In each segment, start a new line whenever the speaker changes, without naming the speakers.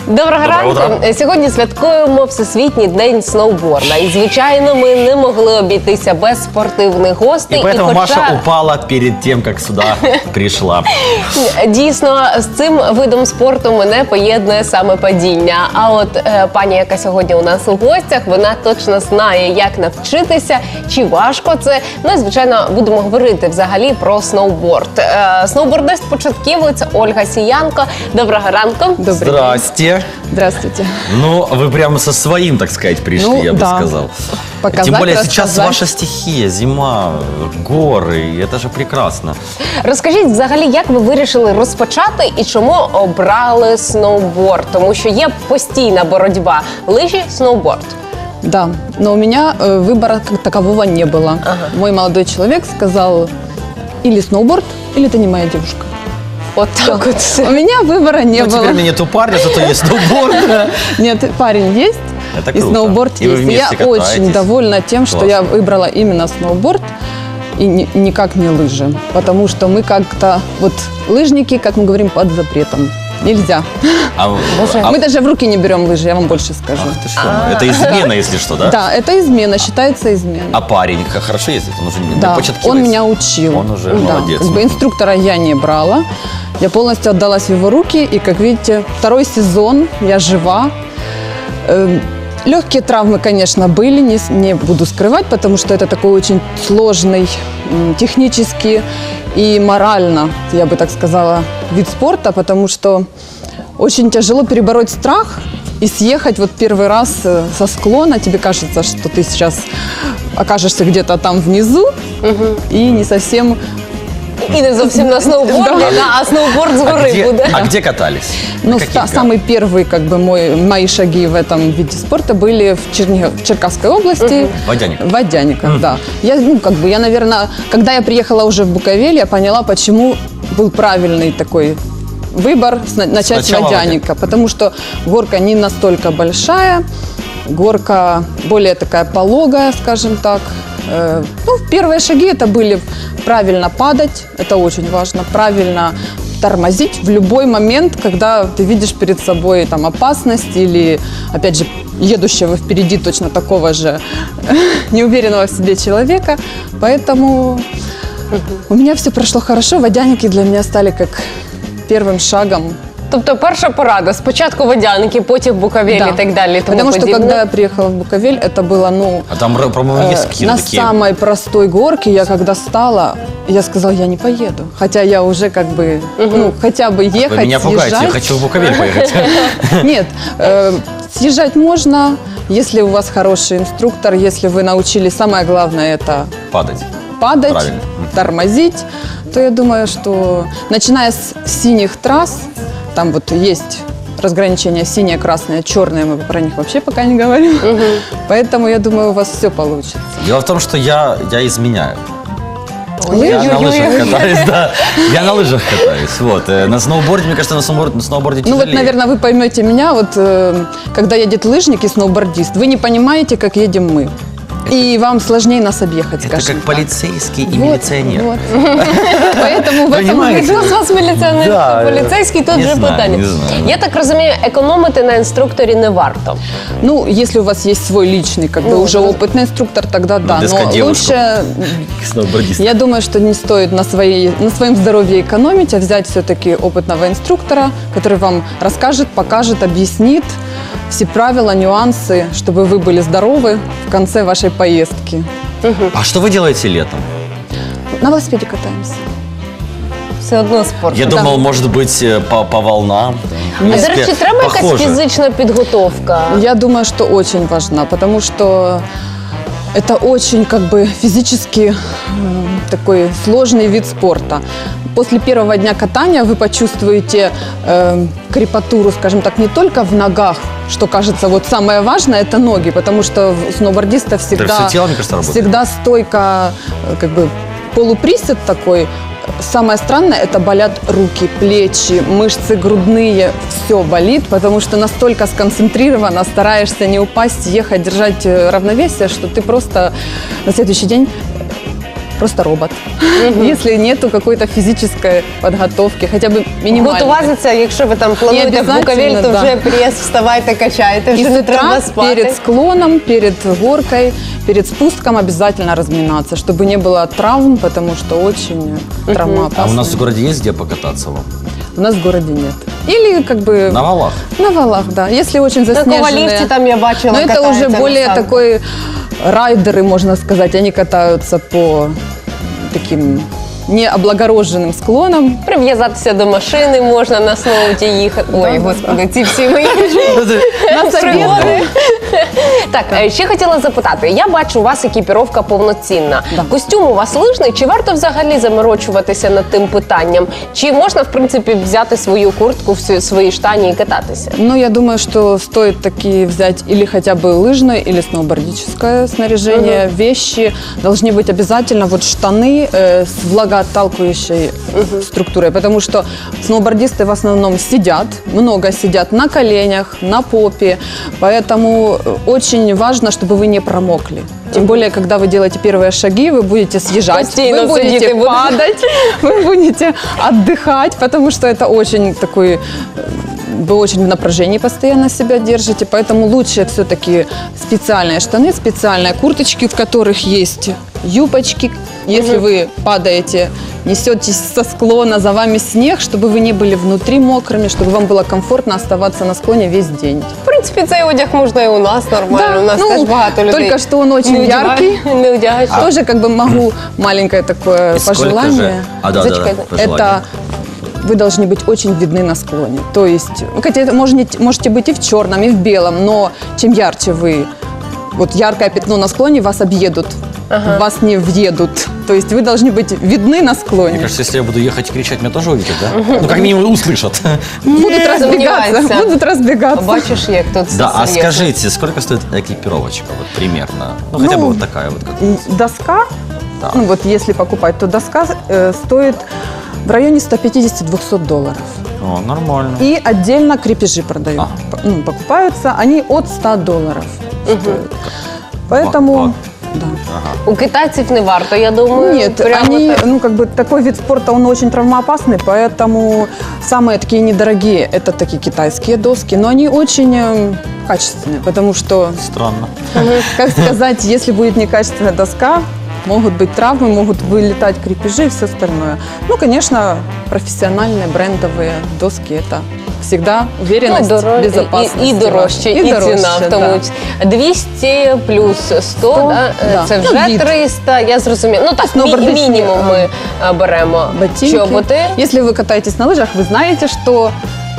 Доброго ранку. Сьогодні святкуємо Всесвітній день сноуборда. І, звичайно, ми не могли обійтися без спортивних гостей.
И поэтому Маша упала перед тем, как сюда пришла.
Дійсно, з цим видом спорту мене поєднує саме падіння. А от пані, яка сьогодні у нас у гостях, вона точно знає, як навчитися, чи важко це. Ну і, звичайно, будемо говорити взагалі про сноуборд. Сноубордист-початківець Ольга Сіянко. Доброго ранку.
Здрасте.
Здравствуйте.
Ну, вы прямо со своим, так сказать, пришли,
Ну,
я бы
да.
сказал.
Показать,
Тем более сейчас
рассказать.
ваша стихия, зима, горы, это же прекрасно.
Розкажіть взагалі, як ви вирішили розпочати і чому обрали сноуборд? Тому що є постійна боротьба. Лижі, сноуборд.
Да, но у меня выбора как такового не было. Мой молодой человек сказал, или сноуборд, или ты не моя девушка.
От так от.
У меня выбора не
Ну,
было.
теперь у меня нету парня, зато есть сноуборд.
Нет, парень есть,
Это
и
круто.
сноуборд
И вы
есть. И
вместе
я очень
катаетесь.
довольна тем, что
Классно.
я выбрала именно сноуборд и никак не лыжи. Потому что мы как-то, вот лыжники, как мы говорим, под запретом. Нельзя. Мы даже в руки не берем лыжи, я вам больше скажу.
Ах ты что, это измена, если что, да?
Да, это измена, считается изменой.
А парень хорошо ездит? Он уже не
Да,
початкивается?
он меня учил.
Он уже
Да,
молодец.
как бы инструктора я не брала. Я полностью отдалась в его руки. И, как видите, второй сезон, я жива. Легкие травмы, конечно, были, не буду скрывать, потому что это такой очень сложный технически и морально, я бы так сказала, вид спорта, потому что очень тяжело перебороть страх и съехать вот первый раз со склона. Тебе кажется, что ты сейчас окажешься где-то там внизу и не совсем...
І не зовсім на сноуборді, а сноуборд з гори буде.
А где катались?
Ну,
На каких
самый первый, как бы, мои шаги в этом виде спорта были в Черкасской области.
Водяниках.
В Водяниках, да. Я, наверное, когда я приехала уже в Буковель, я поняла, почему был правильный такой выбор начать с
Сначала
Водяника. Потому что горка не настолько большая, горка более такая пологая, скажем так. Первые шаги это были правильно падать, это очень важно, правильно тормозить в любой момент, когда ты видишь перед собой там опасность или, опять же, едущего впереди точно такого же неуверенного в себе человека. Поэтому у меня все прошло хорошо, водяники для меня стали как первым шагом.
Тобто перша порада, спочатку водяники, потім Буковель і так далі.
Потому что когда я приехала в Буковель, это было,
А там, по-моему, есть какие-то
на
такие...
самой простой горке. Я когда стала, я сказала, я не поеду. Хотя я уже как бы, хотя бы ехать,
Вы меня пугаете,
съезжать.
я хочу в Буковель поехать.
Нет, съезжать можно, если у вас хороший инструктор, если вы научились, самое главное это
Падать.
падать,
Правильно.
тормозить, то я думаю, что начиная с синих трасс, там вот есть разграничение синее, красное, черное, мы про них вообще пока не говорим. Поэтому я думаю, у вас все получится.
Дело в том, что я изменяю. Я на
Ой-ой-ой.
лыжах катаюсь, да. Я на лыжах катаюсь. Вот. На сноуборде, мне кажется, на сноуборде
Ну
тяжелее.
вот, наверное, вы поймете меня, вот когда едет лыжник и сноубордист, вы не понимаете, как едем мы. И вам сложнее нас объехать,
Это
скажем
как
так.
полицейский и
Вот,
милиционер.
вот. Поэтому в этом
Понимаете?
Хто з вас міліціонер,
Да,
хто поліцейський, тут
не
же
знаю,
питання.
не знаю.
Я так розумію, економити на інструкторі не варто.
Ну, если у вас есть свой личный, как бы уже опытный инструктор, тогда да. Но
дискодевушку.
лучше,
Сноубордист.
я думаю, что не стоит на своем здоровье экономить, а взять все-таки опытного инструктора, который вам расскажет, покажет, объяснит все правила, нюансы, чтобы вы были здоровы в конце вашей поездки.
А что вы делаете летом?
На велосипеде катаемся.
Все одно спорт.
Я думал, может быть, по волнам.
А, до речі, треба якась
Похоже.
фізична підготовка?
Я думаю, что очень важна, потому что это очень как бы физически такой сложный вид спорта. После первого дня катания вы почувствуете крепатуру, скажем так, не только в ногах, что кажется вот самое важное, это ноги, потому что у сноубордиста всегда,
всё тело, мне кажется, работает.
всегда стойка, как бы полуприсед такой. Самое странное, это болят руки, плечи, мышцы грудные, все болит, потому что настолько сконцентрировано, стараешься не упасть, ехать, держать равновесие, что ты просто на следующий день просто робот. Если нету какой-то физической подготовки, хотя бы минимальной.
Готуватися, якщо ви там плануєте в Буковель, то
да.
вже прес, вставайте, качайте,
И
вже
с
не
утра
треба спати.
перед склоном, перед горкой, перед спуском обязательно разминаться, чтобы не было травм, потому что очень травмоопасно.
А у нас в городе есть где покататься вам?
У нас в городе нет. Или как бы...
На валах?
На валах, да. Если очень
На
заснеженные.
Ковалівці там я бачила,
Но это уже
катаються на
более
санках.
такой райдеры, можно сказать. Они катаются по таким необлагороженным склонам.
Прив'язатися до машини можна на сноуті їхати. Ой,
Да,
господи, ці всі мої пригоди. Так, ще хотіла запитати. Я бачу, у вас екіпіровка повноцінна.
Да.
Костюм у вас лижний. Чи варто взагалі заморочуватися над тим питанням? Чи можна, в принципі, взяти свою куртку, свої штані і кататися?
Но я думаю, что стоит таки взять или хотя бы лыжное, или сноубордическое снаряжение. Вещи должны быть обязательно вот штаны с влагоотталкивающей структурой, потому что сноубордисты в основном сидят, много сидят на коленях, на попе, поэтому очень важно, чтобы вы не промокли. Тем более, когда вы делаете первые шаги, вы будете съезжать,
Постійно
вы будете
сидіти будете.
падать, вы будете отдыхать, потому что это очень такой... Вы очень в напряжении постоянно себя держите, поэтому лучше все-таки специальные штаны, специальные курточки, в которых есть юбочки. Если вы падаете, несетесь со склона, за вами снег, чтобы вы не были внутри мокрыми, чтобы вам было комфортно оставаться на склоне весь день.
В принципі, цей одяг можна і у нас нормально. У нас теж багато людей.
Только что он очень
не
яркий.
Не одягають.
Тоже как бы могу маленькое такое
И сколько
пожелание.
же? Да,
Зачекайте.
пожелание.
Это вы должны быть очень видны на склоне. То есть, вы хотите, можете быть и в черном, и в белом, но чем ярче вы, вот яркое пятно на склоне, вас объедут, вас не въедут. То есть вы должны быть видны на склоне.
Мне кажется, если я буду ехать и кричать, меня тоже увидят, да? Ну, как минимум, услышат.
Будут разбегаться,
сомневайся.
будут разбегаться.
Бачиш, як тут все
Да, а
серйозно.
скажите, сколько стоит экипировочка, вот примерно? Ну, хотя бы вот такая вот. Как...
Доска,
Да.
ну вот если покупать, то доска стоит в районе $150-200.
О, нормально.
И отдельно крепежи продают. Покупаются, они от $100 стоят. Поэтому...
Вот.
Да.
Ага.
У китайців не варто, я думаю.
Нет,
прямо
они,
так.
ну как бы такой вид спорта, он очень травмоопасный, поэтому самые такие недорогие, это такие китайские доски, но они очень качественные, потому что,
Странно.
как сказать, если будет некачественная доска, могут быть травмы, могут вылетать крепежи и все остальное. Ну, конечно, профессиональные брендовые доски, это всегда уверенность, безопасность.
І дорожче, і ціна в тому.
да.
200 плюс 100, да?
да.
Це
Ну,
вже
від.
300, я зрозуміла. Ну так,
Сноубордичні,
мінімум ми беремо.
Ботинки.
Чоботи.
Если вы катаетесь на лыжах, вы знаете, что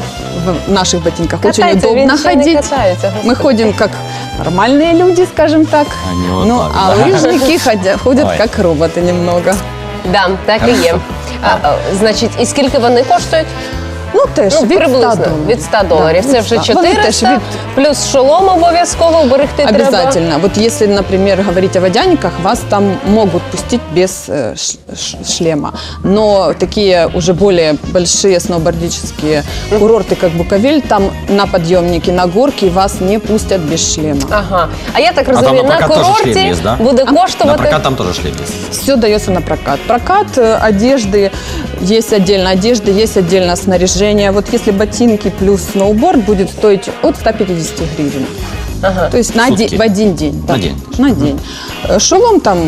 в наших ботинках очень
Катаються,
удобно
він ще не
ходить.
катається,
Мы
господи.
ходим как нормальные люди, скажем так.
Они вот
Ну,
так,
а
да.
лыжники ходят
Ой.
как роботы немного.
Да, так і є. Значить, і скільки вони коштують?
Ну, теж
Ну,
від
приблизно,
$100.
від $100.
Да,
Це
від
вже
100. Вони теж
400,
від-
плюс шолом обов'язково берегти треба.
Обязательно. Вот если, например, говорить о водяниках, вас там могут пустить без шлема. Но такие уже более большие сноубордические курорты, как Буковель, там на подъемнике, на горке вас не пустят без шлема.
Ага. А я так
А там
розумію,
на
на
прокат тоже
курорті
шлем есть, да?
буде
На
коштувати...
прокат там тоже шлем есть.
Все дается на прокат. Прокат одежды, есть отдельно одежды, есть отдельно снаряжение. Вот если ботинки плюс сноуборд будет стоить от 150 гривен.
Ага.
То есть
Сутки.
в один день.
На день.
На день. Шолом там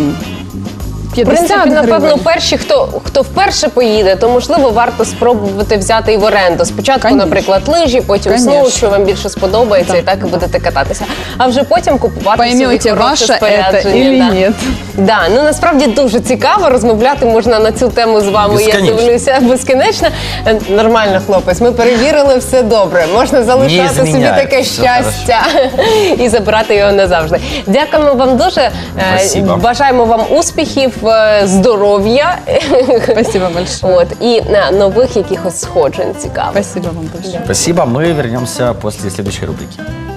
В
50
принципі, напевно,
гривень.
перші, хто вперше поїде, то, можливо, варто спробувати взяти і в оренду. Спочатку,
Конечно.
наприклад, лижі, потім
Конечно.
сноу, що вам більше сподобається,
Да,
і так і будете кататися. А вже потім купувати
Поймете,
собі хороше
ваше это
спорядження.
или
да.
нет.
Да, ну насправді дуже цікаво, розмовляти можна на цю тему з вами, я
Безконечно.
дивлюся, безкінечно. Нормально, хлопець, ми перевірили, все добре. Можна залишати собі
зміняють,
таке
все
щастя і забирати його назавжди. Дякуємо вам дуже.
Спасибо.
Бажаємо вам успіхів, здоров'я.
Спасибо большое.
От, і нових якихось сходжень цікавих.
Спасибо вам большое.
Спасибо, мы вернемся после следующей рубрики.